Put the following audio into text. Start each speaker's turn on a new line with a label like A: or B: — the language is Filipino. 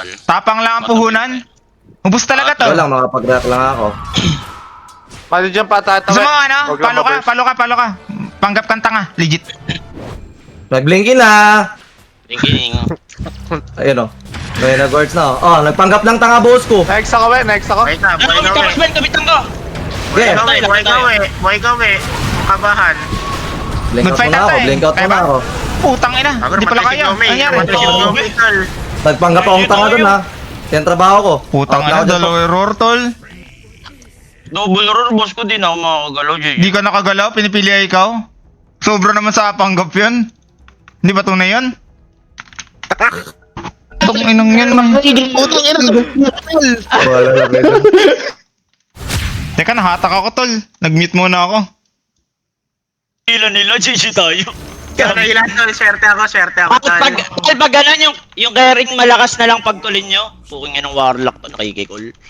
A: tol.
B: Tapang lang ang puhunan. Ubus talaga to.
C: Wala lang, makapag-react lang ako.
D: Paano dyan patatawa?
B: Gusto mo ano? Palo ka. Panggap kang tanga. Legit.
C: Nag-blinky na!
A: Thinking.
C: Ayun o. May nag-words na oh. Nagpanggap lang tanga boss ko.
D: Next ako, next ako.
E: Buhay ka,
A: Ano,
E: buhay ka,
A: kapitan ko, Ben, kapitan ko!
C: Okay.
E: buhay ka, kabahan.
C: Blink out
B: Mag-fight
C: na
B: out
C: ako,
B: eh.
C: blink out
B: Kaya
C: na
B: ba?
C: ako.
B: Putang ina. Hindi pala kaya. Anyari?
C: Nagpanggap akong tanga dun ha. Yan trabaho ko.
B: Putang
C: Out na
B: ina.
C: ako dyan,
B: Dalawa error tol.
A: Double roar, boss ko din ako makakagalaw, JJ.
B: Di ka nakagalaw. Pinipili ay ikaw. Sobra naman sa panggap yun. Hindi ba tunay yun? Putang inang yan. Putang ina.
C: Wala lang kayo.
B: Teka, nahatak ako tol. Nag-mute muna ako.
A: Ilan nila, JJ tayo.
E: Ilan tol, swerte ako
A: Bakit pag ganun yung carrying malakas na lang pagtulin nyo? Puking yan ng warlock to, nakikikol.